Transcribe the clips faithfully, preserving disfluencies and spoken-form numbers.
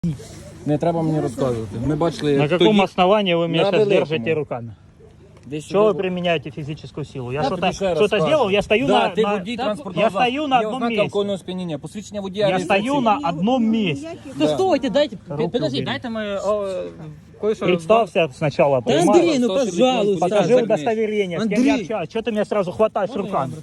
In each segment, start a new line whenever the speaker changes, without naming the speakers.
Не треба мені розказувати. Ми бачили,
На
як
каком
тоді...
основании вы меня
на
сейчас
великому.
держите руками?
Десь
Что вы
сюди-
применяете физическую силу? Я
Я
что-то
тобі ще раз
что-то
кажу.
сделал, я стою
да,
на...
ти
на-
водій
Да,
транспортного
я
засобу.
стою на
Є
одном
ознака
месте.
алкогольного сп'яніння. Посвідчення водія
Я
реєстраційне.
стою на одном месте.
Да
Да.
стойте, дайте,
Руку
подожди,
убери.
дайте мы о, кое-что...
Представься сначала.
Да,
понимаешь?
Андрей, ну пожалуйста.
Покажи
Закрыть.
удостоверение, с кем я
Андрей.
общаюсь. Что ты меня сразу хватаешь руками?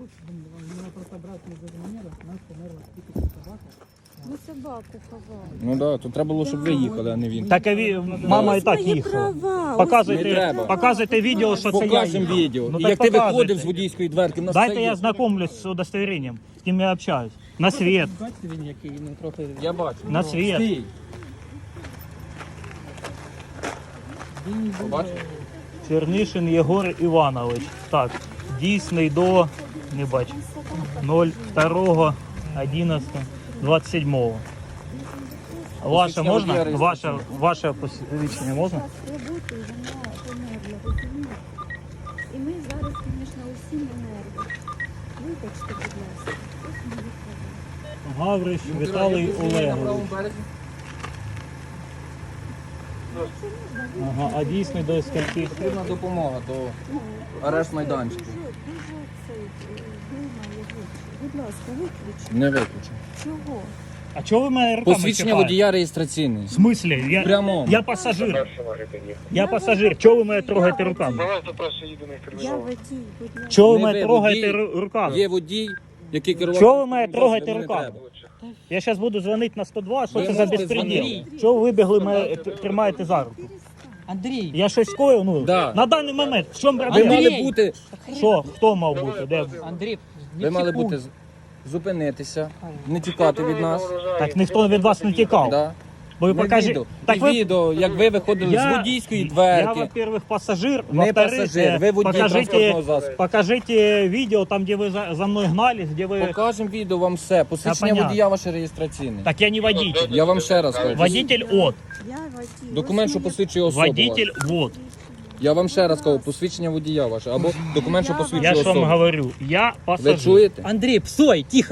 Ми собаку ховали.
Ну так, да, то треба було, щоб ви їхали, а не він.
Так а ви- мама и так
Мої
їхала.
права.
Не
Показуйте,
треба.
показуйте відео, що це я
Покажемо
їхав.
відео.
Ну,
І
так
як ти
показуйте.
виходив з водійської дверки, в нас
Дайте
це
я
є.
знакомлюсь з удостоверением, з ким я общаюсь. На свет,
Бачите він який, ну трохи...
Я бачу.
на свет.
Стій. Побачив?
Чернишин Єгор Іванович. Так, дійсний до, не бачу, ноль два одинадцятого двадцять сьомого. Ваше
Посвідчення
можна?
водія
Ваше, ваше посвідчення можна?
Роботи вона померла, розумієте? І ми зараз, звісно, усі на нервах. Вибачте, будь ласка. Ось мої права.
Гавриш Віталій Олегович. Ага, а дійсний до скільки?
Потрібна допомога до арешт майданчику.
Дуже, дуже цей, е, думає, виключ. Будь ласка, виключіть.
Не виключу.
Чого?
А чого ви мене руками
Посвідчення
чіпаєте?
водія реєстраційний.
В смислі? Я,
Прямо.
я пасажир. Я пасажир. Чого ви мене трогаєте руками?
Я водій, будь ласка.
Чого ви
Не
мене
ви,
трогаєте
водій.
ру- руками?
Є водій, який керував.
Чого ви мене
транспортним
трогаєте
засобом, не
руками?
треба.
Я зараз буду дзвонити на сто два, що
Ви
це за
можете
безпреділ?
дзвонити.
Чого ви вибігли, мене т- тримаєте за руку?
Андрій,
Я щось скоїв? Ну,
Да.
на даний момент, в чому
Ви
проблема?
мали
Андрій!
бути,
Що? Хто мав бути? Де?
Андрій,
ви мали бути з- зупинитися, не тікати від нас.
Так ніхто від вас не тікав.
Да.
Бо ви
На
покажіть.
відео.
Так
І
ви...
відео, як ви виходили з водійської
Я,
дверки.
во-первых, пассажир.
Не
Во-вторых,
пасажир, ви водій
покажите,
транспортного засобу.
покажите видео, там, где вы за, за мной гнались, где вы...
Покажемо відео вам все. Посвідчення
понятно.
водія ваше реєстраційне.
Так я не водитель.
Я вам ще раз кажу.
Водитель от.
Я водій.
Документ,
Ось
що
моє-
посвідчує особу.
Водитель
вашу.
вот.
Я вам ще раз кажу, посвідчення водія ваше. Або документ, що
Я
посвідчує
Я ж вам
особу.
говорю, я
Ви
пассажир.
чуєте?
Андрій, псой, тихо.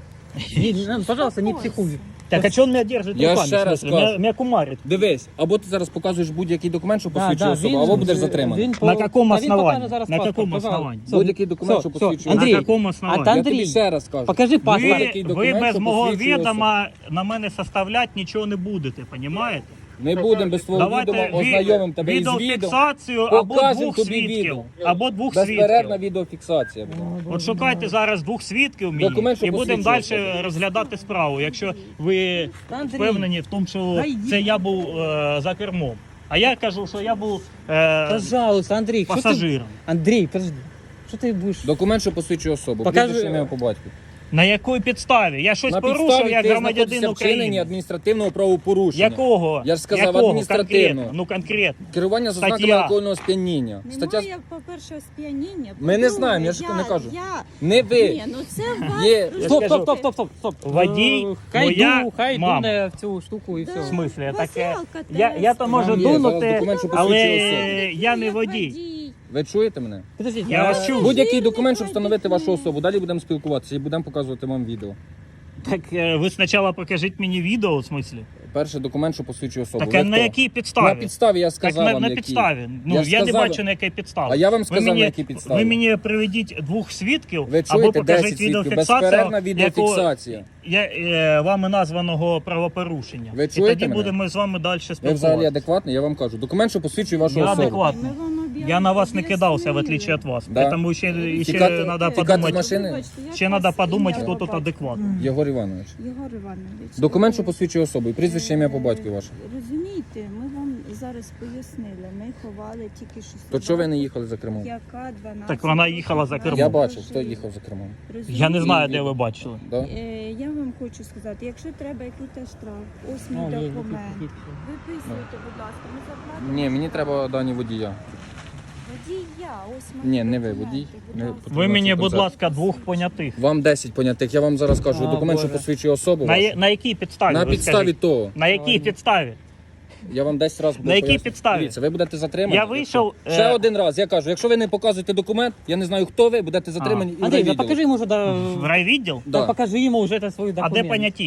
Не, не, пожалуйста, не психуй.
Так а что он меня держит
Я
руками?
ще
в
раз
смысле? Меня,
кажу.
меня кумарит.
Дивись, або ти зараз показуєш будь-який документ, що
Да,
посвідчує
да,
особу,
він-
або будеш
він
затриманий.
по-
На каком
Та він
основании?
покаже зараз
На
паспорт,
каком
пожалуйста.
основании?
Все,
Будь-який документ,
все,
що
все.
посвідчує
Андрій,
На каком основании?
а та
Я тобі
Андрій,
ще раз кажу.
покажи паспорт.
Ви,
Такий
ви
документ,
без
що
мого
посвідчує
відома на мене составляти нічого не будете, розумієте?
Ми будемо без твого відома
Давайте
ознайомимо тебе із відео.
відеофіксацію або
Покажемо
двох
тобі
свідків.
відео.
Або двох
Безперервна
свідків.
відеофіксація буде.
От шукайте зараз двох свідків мені
Документ, що
і будемо далі
посвідчує
розглядати справу, якщо ви
Андрій,
впевнені в тому, що
та йди.
це я був е, за кермом. А я кажу, що я був е,
Пожалуйста, Андрій, що ти...
пасажиром.
Андрій, подожди. Що ти будеш?
Документ, що посвідчує особу.
Покажи.
Прізвище, ім'я по батьку.
На якій підставі? Я щось
На
порушив
підставі
як
ти
громадянин
знаходишся в вчиненні
України.
адміністративного правопорушення.
Якого?
Я ж сказав,
Якого?
адміністративного.
Конкретно. Ну конкретно.
Керування за
Стаття.
ознаками алкогольного сп'яніння. Стаття...
Немає, по-перше, сп'яніння.
Ми не
По-друге,
знаємо, я ж не кажу.
Я,
Не ви.
Ні, ну це вас...
Є.
Я
Стоп,
скажу,
стоп, стоп, стоп, стоп, стоп.
водій,
Е, Хай
моя
ду, хай
мама.
дуне в цю штуку і
Да.
все.
В смислі,
Вас
таке.
ялка
Я, я то
тест.
можу
Там є, зараз
дунути,
документ, що
але
посвідчує особу.
я не
Як
водій.
Ви чуєте мене?
Подождіть,
Я вас чую.
Будь-який документ, щоб встановити вашу особу. Далі будемо спілкуватися і будемо показувати вам відео.
Так е, ви спочатку покажіть мені відео, в смислі.
Перший документ, що посвідчує особу.
Так
Ви
а на
хто?
якій підставі?
На підставі я
Так
сказав
на,
вам,
на
які.
підставі. Ну
Я
я,
ж
не
сказав-
бачу на якій підставі.
А я вам
ви
сказав,
мені,
на якій підставі.
Ви мені приведіть двох свідків
Ви
або
чуєте,
покажіть
десять свідків,
відеофіксацію,
безперервна відеофіксація.
Якого, я, е, вами названого правопорушення.
Ви
І
чуєте
тоді
мене?
будемо з вами далі
Ви взагалі
спілкуватися.
адекватний, я вам кажу. Документ, що посвідчує вашу
Я
особу.
адекватний.
Ми вам об'яснили.
Я на вас не кидався, в отличие от вас.
Да.
Поэтому ще, ще
Тікати-
надо
тікати з
подумати.
машини?
Вибачте, як
Ще
вас
треба подумати,
ім'я
хто
по
тут
батьку?
адекватний.
Єгор Іванович.
Єгор Іванович.
Документ, що
ви-
посвідчує особу. І прізвище, ім'я по батьку ваше.
Розумієте, ми вам зараз пояснили. Ми ховали тільки що собаку.
То чого ви не їхали за кермом?
Яка дванадцять
Так вона їхала за кермом.
Я бачив, хто їхав за кермом.
Я не знаю,
Ні,
де
ні.
ви бачили.
Да?
Е, Я вам хочу сказати, якщо треба якийсь штраф, ось мій
Ну,
документ. Виписуйте, будь ласка, ми заплатимо.
Ні, мені треба дані водія.
Водія, ось мої
Ні, не ви
документи,
водій.
будь
Не
ласка.
потрібно
Ви мені,
цей
будь
концерт.
ласка, двох понятих.
Вам десять понятих. Я вам зараз кажу.
А,
Документ, що
Боже.
посвідчує особу.
На,
вашу.
я- на якій підставі?
На
ви
підставі
скажіть?
того.
На якій підставі?
Я вам десять разів
На якій
поясню.
підставі?
Дивіться, ви будете затримані.
Я вийшов,
Ще
е,
один раз, я кажу, якщо ви не показуєте документ, я не знаю, хто ви, будете затримані і
Андрій, ну
відділу.
покажи йому вже, да,
В райвідділ?
Да.
покажи йому вже це свої
А
документи.
де поняті?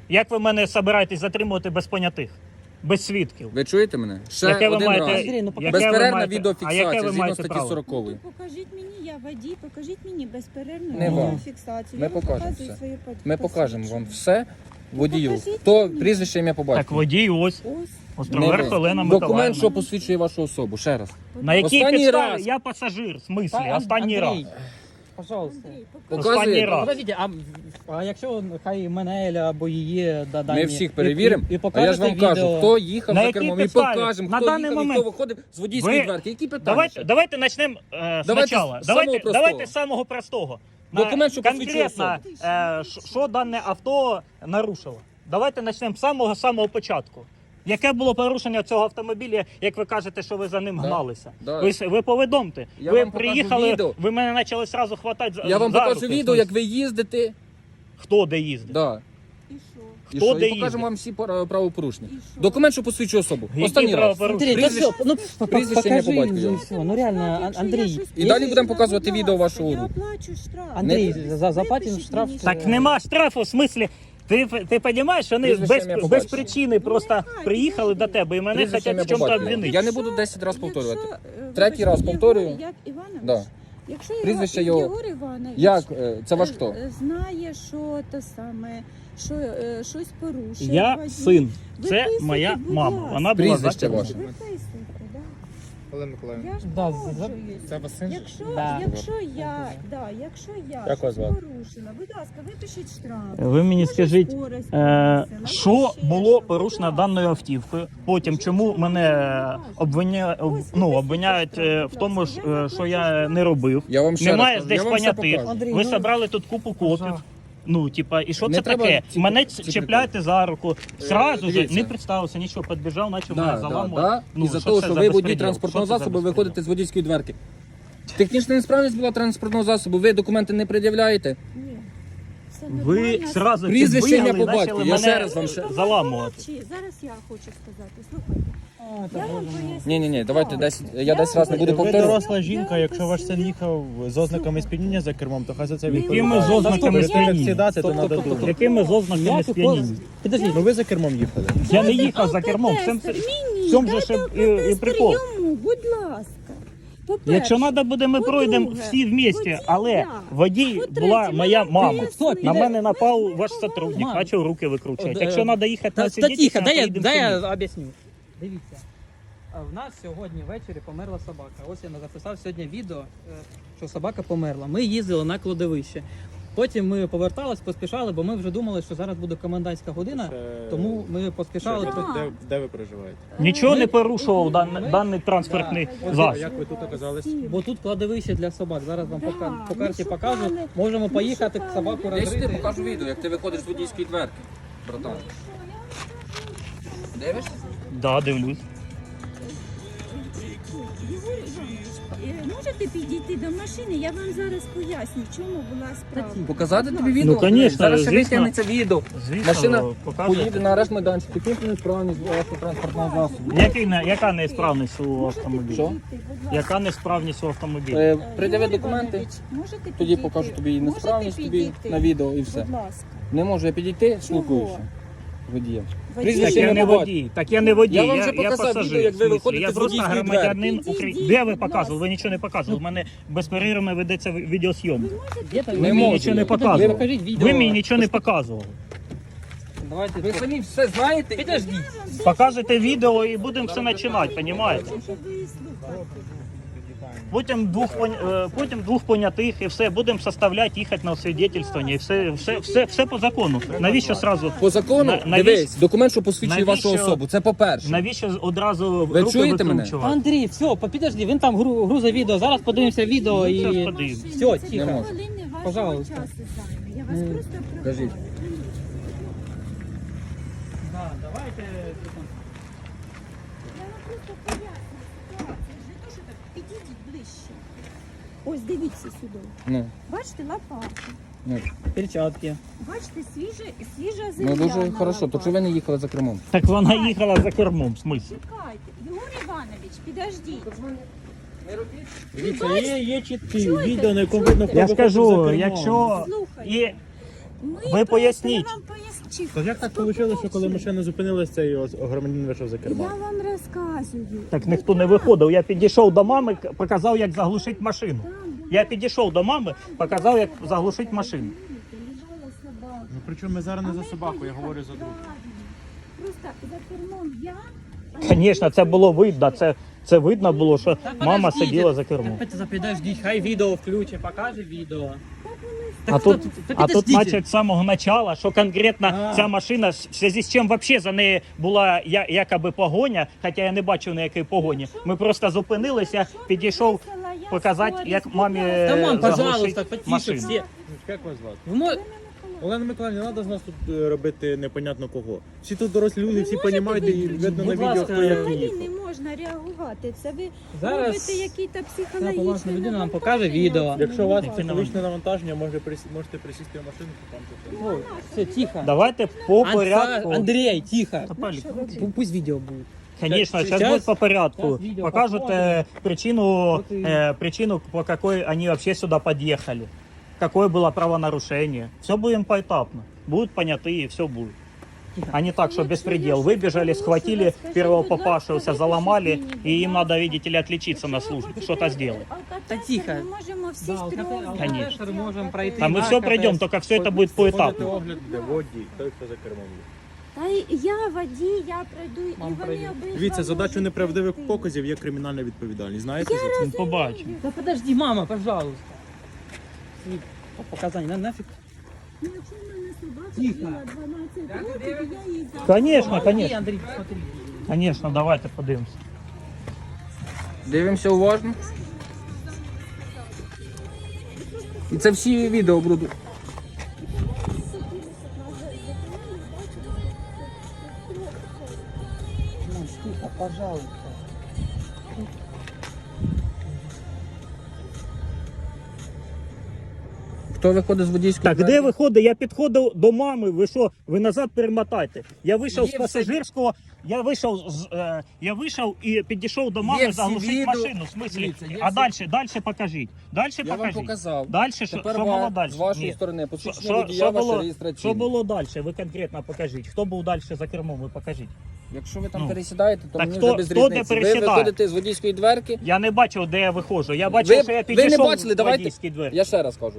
Як ви мене збираєтесь затримувати без понятих? Без свідків?
Ви чуєте мене? Ще
Яке ви
один
маєте-
раз.
Андрій, ну, покажи.
яке ви
Безперервна
маєте- а
відеофіксація
яке ви
згідно
маєте
статті
право?
сорокової.
Ну, покажіть мені, я водій, покажіть мені безперервну
Не вам.
фіксацію.
Ми
Я вам
покажемо
показую
все.
своє под-
Ми покажемо вам
посвідчення.
все водію.
покажіть
Хто
мені.
прізвище, ім'я по
Так,
батькові.
водій ось.
Ось.
Островерх
Не ви.
Олена
Документ,
Миколаївна.
що посвідчує вашу особу. Ще раз.
На якій
Останній
підставі?
раз.
Я пасажир, в смислі,
Та,
останній
Андрій,
раз.
Пожалуйста.
Андрій, покажи.
Останній
Показує.
раз.
Подождите, а, а якщо хай мене або її да, дані,
Ми всіх перевіримо,
і, і, і
а я ж вам
покажете
кажу,
відео.
хто їхав
На
за
якій
кермом, і
підставі?
покажемо,
На
хто
даний
їхав і
момент
хто виходив з водійської
ви-
дверки. Які питання?
Давайте,
ще?
давайте почнемо е,
Давайте
спочатку.
з
Давайте,
самого простого.
давайте з самого простого. На-
Документ, що посвідчує
конкретно, е, ш- що дане авто нарушило. Давайте почнемо з самого-самого початку. Яке було порушення цього автомобіля, як ви кажете, що ви за ним
Да.
гналися?
Да.
Ви, с- ви повідомте.
Я
ви
вам покажу
приїхали,
відео.
ви мене почали одразу хватати за
Я вам
за
покажу
руки.
відео, як ви їздите.
Хто де їздить?
Да.
І що?
І
Хто
що?
де
І покажемо
їздить?
вам всі пора- правопорушення.
І що?
Документ, що посвідчує особу.
Які
Останній раз.
правопорушення?
Андрій, та
Прізвище-
все, ну по-
прізвище, ім'я,
покажи,
по батькові.
ну, все, ну реально, Ан- Андрій.
І далі будемо показувати відео вашого
Я
руху.
оплачу штраф.
Андрій,
Не-
за, заплатимо
Випишіть
штраф.
мені
Так нема штрафу, в смислі. Ти, ти розумієш, що вони
Прізвище,
без,
ім'я,
без
побачення.
причини просто
нехай,
приїхали до
підожди.
тебе і мене
Прізвище,
хочуть
ім'я,
в чому-то
побачення.
обвинити.
Я не буду десять разів повторювати.
Якщо, е,
Третій
вибачте,
раз повторюю.
Єгор Як Іванович,
Да.
якщо
Прізвище
Єгор,
його-
Єгор Іванович
Як? е, Це ваш
е,
хто?
е, знає, що те саме, що е, щось порушив.
Я
водій,
син. Це
виписуйте,
моя
будь
мама.
ласка.
Вона була
Прізвище
за кермом.
ваше.
Виписуйте, да.
Олена Миколаївна.
Я ж
Да,
погоджуюсь.
Це вас син?
Якщо,
Да.
якщо я, да, якщо я
Як вас
щось
звати?
порушила, будь ласка, випишіть штраф.
Ви мені
Може,
скажіть,
скорость
Е,
перевищила,
що
може, ще
було
щось.
порушено
Будь
даною автівкою? Потім чому мене обвиня... об- ну, обвиняють е, в тому, ж, е, що я не робив?
Я вам ще
Немає
раз кажу,
здесь
я вам все
понятих.
покажу.
Андрій,
Ви
ну,
зібрали тут купу копів. Ну, типа, і що
Не
це
треба
таке?
ці-
Мене
ці
чіпляєте за руку. Сразу же
дивіться.
не представився, нічого, підбіжав, почав
Да,
мене
да,
заламувати.
да.
Ну,
І за
що
те,
це
що
за
ви водій
безпреділ?
транспортного
Що це за
засобу
безпреділ?
виходите з водійської дверки. Технічна несправність була транспортного засобу, ви документи не пред'являєте.
Ні. Все
Ви
нормально.
сразу
Прізвище,
підбігли
ім'я,
і
по батьку.
почали
Я ще
мене
раз вам ще-
заламувати.
Помовчи. Зараз я хочу сказати. Слухайте.
а, та
Я вам
Боже мой.
поясню.
Ні, ні, ні, давайте
ситуацію.
десь я десь раз не буду
Ви
повторювати.
доросла жінка,
Я
якщо ваш син
посилю-
їхав з ознаками сп'яніння за кермом, то хай за це
Немає.
відповідає.
Якими з ознаками
Перед тим, як
сп'яніння?
сідати, то
Стоп, стоп,
треба
стоп, стоп.
думати.
Якими з ознаками
Ніяких
сп'яніння?
Подожди,
Ну ви за кермом їхали.
Я не
Дайте
їхав за кермом. В цьому,
алкотестер. Ні, ні,
в цьому же
дайте
ще і, і
алкотестер
прикол.
йому, будь ласка. По-перше,
Якщо треба буде, ми
По-друге,
пройдемо всі вместе,
водій
але
я.
водій
По-третє,
була моя
мене
мама.
пояснили.
На мене
Ми
напав
ж не
ваш
ховали.
сотрудник,
Мам.
почав руки викручувати.
От,
Якщо
е,
треба їхати
Та,
на
та тихо,
свідетельство,
дай я,
поїдемо
дай
самі.
я об'ясню. Дивіться, а в нас сьогодні ввечері померла собака. Ось я записав сьогодні відео, е, що собака померла. Ми їздили на кладовище. Потім ми повертались, поспішали, бо ми вже думали, що зараз буде комендантська година, тому ми поспішали.
Що?
Де, де ви проживаєте?
Нічого
Ми-
не порушував дан-
ми-
даний транспортний
Да.
А
засіб.
як ви тут оказались?
Бо тут кладовище для собак. Зараз вам
Да,
по, кар- по
ми
карті
шукали,
покажу. Можемо
ми
поїхати,
шукали.
собаку
Я
Я ж ти
розрити.
покажу відео, як ти виходиш з водійської дверки, братан. Дивишся?
Да, дивлюсь.
Єгор Іванович, е, можете підійти до машини? Я вам зараз поясню, в чому була справа.
Показати тобі відео?
Ну, конечно,
Зараз ще
звісно.
витягнеться відео.
Звісно,
Машина
показує.
поїде на арешт майданчик, технічна несправність вашого транспортного засобу.
Який не- яка неісправність у автомобілі?
Що?
Підійти, будь ласка.
Яка неісправність у автомобілі?
Е,
Е,
Придяви
Єгор
документи,
Іванович, можете
тоді
підійти?
покажу тобі і
Можете
несправність тобі
підійти?
на відео і все.
Будь ласка.
Не можу я підійти, спілкуюся. Водієм.
Водій.
Прізвище,
Так я
ім'я,
не
по батьку.
водій, так я не водій,
Я
я,
вам вже
я,
показав
пасажир.
відео, як ви
в смислі.
виходите
Я
з
просто
водійської
громадянин
дверки.
України.
Підійдіть,
Де ви
будь
показували? Ви
ласка.
нічого не показували. У мене безперервно ведеться відеозйомка.
Где-то
Ви
Не
мені
можу
нічого не
я.
показували.
Ви покажіть відео.
Ви мені нічого не показували.
Давайте.
Ви самі все знаєте?
Підожди.
Покажете відео і будемо все починати, розумієте?
Щоб ви слухали.
Потім двох пон- е, потім двох понятих і все будемо составляти, їхати на освідетельствування і все, все, все, все по закону. Навіщо сразу?
По закону,
На- навіщо-
дивись, документ, що посвідчує
навіщо-
вашу особу. Це по-перше.
Навіщо одразу
Ви
руки
чуєте мене?
викручувати?
Андрій, все, підожди, він там гру, грузить відео. Зараз подивимося відео
Ну,
і.
зараз подивимося.
Все,
Це
тихо.
дві хвилини вашого
Пожалуйста.
часу займе. Я вас
Ну,
просто
кажіть.
прошу.
Да, давайте.
Я вам просто поясню ситуацію. Не то, що так, підійдіть ближче. Ось дивіться сюди.
Ну,
Бачите лопату.
ну.
Перчатки.
Бачите, свіжа, свіжа земля.
Ну дуже
на
хорошо, то
лопаті.
чи ви не їхали за кермом?
Так вона їхала за кермом, в смислі.
Чекайте, Єгор Іванович, підождіть.
Дивіться, є, є чіткі
Чуєте?
відео, на якому видно, хто
Я ж
виходив за
кажу,
кермом.
якщо
Слухайте.
є
Ми
Ви поясніть.
просимо вам пояснити.
То як так вийшло, що коли машина зупинилась, цей ось громадянин вийшов за кермо?
Я вам розказую.
Так ніхто не виходив. Я підійшов до мами, показав, як заглушити машину. Я підійшов до мами, показав, як заглушити машину.
Лежала собака.
Ну причому ми зараз
А
не за
ми
собаку, я говорю за друга.
Просто за кермом я.
Звісно, це було видно. Це, це видно було, що
Та
мама
подождіть,
сиділа за кермом.
Так, подождіть, хай відео включить, покаже відео.
А тут,
так
а тут
підождіть.
значить, з самого начала, що конкретно
А.
ця машина, в зв'язку з чим взагалі за нею була я- якоби погоня, хоча я не бачив ніякої погоні. Ми просто зупинилися, підійшов показати, як мамі
Та, мам,
заглушити
пожалуйста, потише
машину.
всі.
Як вас звати?
Ви мо-
Олена Миколаївна, не треба з нас тут е, робити непонятно кого. Всі тут дорослі люди, всі
можете
розуміють, і
ви-
видно на
Будь
відео,
ласка,
хто як
Взагалі
їхав.
не можна реагувати. Це ви
Зараз
робите якісь
ця
психологічні
поважна людина нам покаже
навантаження.
відео.
Якщо у вас
Яке
психологічне навантаження, може присі- можете присісти в машину, то там це.
Ой, все, тихо.
Давайте по
Анса-
порядку.
Андрей, тихо.
Та, Палік,
Пу- Пусть відео буде.
Конечно,
Щас-
сейчас будет по порядку.
щас видео
Покажут
посмотрим.
э, причину,
Вот и-
э, причину, по какой они вообще сюда подъехали. Какое было правонарушение. Все будем поэтапно. Будут понятые, все будет. А не так, что беспредел. Выбежали, схватили первого попавшегося, заломали, и им надо, видите ли, отличиться на службе, что-то сделать.
Та тихо.
Ми можемо всі
Да,
трьох.
Конечно.
алкотестер можемо пройти.
А мы
на
все пройдем,
КПС.
только все это будет
Ходити
поэтапно.
огляд, де водій, той, хто за кермом є.
Та й я водій, я пройду,
Мам,
і вони
пройди.
обидва
Дивіться, задачу
можуть
неправдивих
пройти.
показів є кримінальна відповідальність. Знаєте за це?
Побачим.
Да подожди, мама, пожалуйста. Світ, по показання, на нафиг.
Ну, якщо в мене собака
Тихо.
була дванадцять років, я їй за...
Конечно,
Помоги,
конечно.
Андрій, смотри.
Конечно, давайте подивимся.
Дивимося уважно. І це всі відео будуть.
Мам, тихо, пожалуйста.
Хто виходить з водійської
Так, де виходить? Я підходив до мами. Ви що? Ви назад перемотайте. Я вийшов
Є
з
все-
пасажирського. Я вийшов з е, я вийшов і підійшов до
Є
мами
всі
заглушити
відео.
машину. В смислі?
Дивіться, є
А
всі-
далі, далі покажіть. Далі
Я вам
покажіть.
показав.
Далі що,
Тепер
що
ва-
було далі?
з вашої
Ні.
сторони
Що,
посвідчення
що,
водія
що,
ваше
було,
реєстраційне.
що було далі? Ви конкретно покажіть. Хто був далі за кермом? Ви покажіть.
Якщо ви там
Ну.
пересідаєте, то
Так
мені
хто-
вже без
хто де
різниці. Ви
пересідає?
виходите з водійської дверки.
Я не бачив, де я виходжу. Я бачив,
Ви,
що я
ви
підійшов
не бачили,
в
давайте.
водійській двері.
Я ще раз кажу.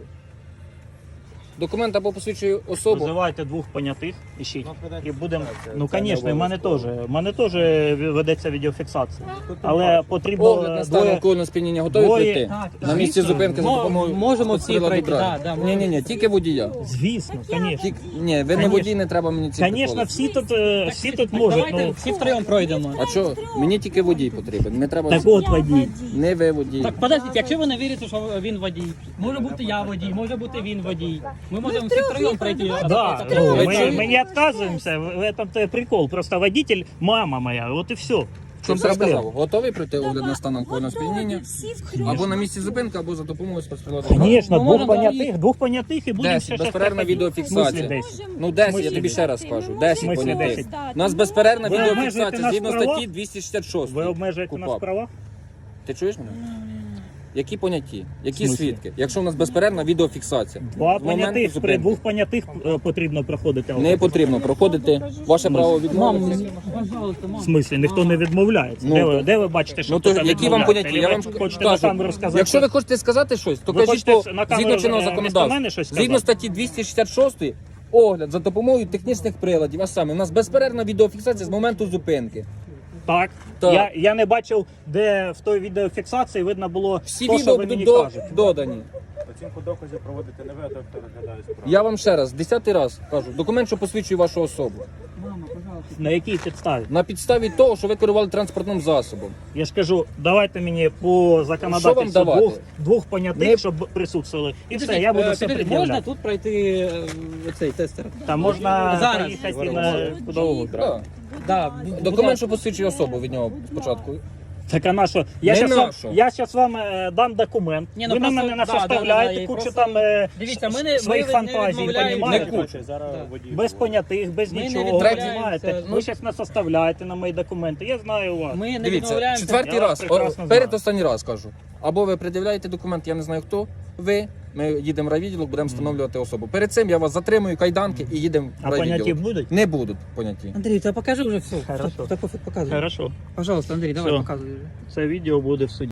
Документ або посвідчує особу.
Визивайте двох понятих, ищіть. І будемо.
Це-
Ну,
це не
звісно, і в мене теж.
обов'язково.
В мене теж ведеться відеофіксація.
Тут
Але
бачите.
потрібно
Огляд на стан
двоє.
алкогольного сп'яніння готові
двоє-
пройти?
Так,
На місці
звісно.
зупинки за
Мо-
допомогою
можемо всі
спецприладу
пройти,
драйв.
да, да,
Ні, ні, ні, тільки водія.
Звісно, звісно.
Тільки, ні, ви не
Конечно.
водій, не треба мені ці
Звісно,
приколи.
всі тут, е, всі тут
Так,
можуть.
давайте
Ну,
всі втроєм пройдемо.
А що? Мені тільки водій потрібен. Не треба.
так от водій.
Не ви водій.
Так, подождіть, якщо ви не вірите, що він водій, може бути я водій, може бути він водій. Ми можемо всі втроєм пройти.
Да,
Так,
ну,
Ви
мы,
чуєте?
мы не отказываемся, в этом-то прикол. Просто водитель мама моя, вот и все. В
Що
чем
все сказав?
проблема?
Готовий пройти огляд на стан алкогольного сп'яніння?
Всі втрьох.
Або на місці зупинки, або за допомогою спецприладу драйв.
Конечно,
Мы
двух
можем
понятых, двух понятых и будем
Десять,
сейчас
безперервна
проходить.
відеофіксація.
В смысле десять?
Ну десять, я
Смислі
тобі ще раз
Ми
кажу.
можемо
десять
Смислі
понятих.
десять?
У нас безперервна
Ви обмежуєте
відеофіксація
нас
згідно
в правах?
статті двісті шістдесят шість.
Ви обмежуєте нас в
КУпАП.
правах?
Ти чуєш мене? Які поняті? Які
смислі?
свідки? Якщо у нас безперервна відеофіксація.
Два
З моменту
понятих, при
зупинки.
двох понятих е, потрібно проходити.
Не потрібно проходити. Ваше право
Мам,
відмовитися.
пожалуйста,
В
мам.
смислі, ніхто не відмовляється.
Ну,
де, ви, де ви бачите, що
Ну то
хтось
які вам
відмовляється?
поняті? Я
Чи
вам
ви хочете на
кажу,
камеру сказати?
якщо ви хочете сказати щось, то
Ви
кажіть
хочете
по
на камеру,
згідно чинного
е,
законодавства.
вмісто мене щось
Згідно
сказати?
статті двісті шістдесят шість огляд за допомогою технічних приладів. А саме у нас безперервна відеофіксація з моменту зупинки.
Так.
Так.
Я, я не бачив, де в той відеофіксації видно було,
Всі
то, що
відео
ви мені
будуть до,
кажете.
додані.
Оцінку доказів проводити не ви, а той, хто розглядає справу.
Я вам ще раз, десятий раз кажу, документ, що посвідчує вашу особу.
Мама, пожалуйста.
На якій підставі?
На підставі того, що ви керували транспортним засобом.
Я ж кажу, давайте мені по
Що
законодавству
вам давати?
двох, двох понятих,
Не-
щоб присутствували. І все,
Підождіть,
я буду
е,
все
підождіть, можна
пред'являти.
тут пройти е, цей тестер?
Там можна
Зараз.
приїхати на куди угодно.
Да.
Да, будь
Документ,
ласка.
що посвідчує особу від нього спочатку.
Так а на що? Я
Не
щас
на
вам,
що.
я щас вам е, дам документ.
Ні, ну
ви на
просто-
мене
да,
наставляєте
да, да, і
кучу
просто-
там е,
Дивіться, ми не-
своїх
ми не
фантазій,
відмовляємо.
понімаєте?
Не кучу.
Зараз
Да.
водій.
Без понятих, без
Ми не
нічого,
відмовляємося.
понімаєте?
Ну,
Ви зараз нас оставляєте на мої документи. Я знаю вас.
Ми не
Дивіться,
відмовляємося.
четвертий
Я вас
раз, о,
прекрасно
перед
знаю.
останній раз кажу. Або ви пред'являєте документ, я не знаю хто ви, Ми їдемо в райвідділок, будемо встановлювати особу. Перед цим я вас затримую, кайданки і їдемо в
А поняті
райвідділок.
будуть?
Не будуть поняті.
Андрій, та покажи вже все.
Хорошо.
Та, та, показуй.
Хорошо.
Пожалуйста, Андрій, давай
Всё.
показуй вже.
Це відео буде в суді.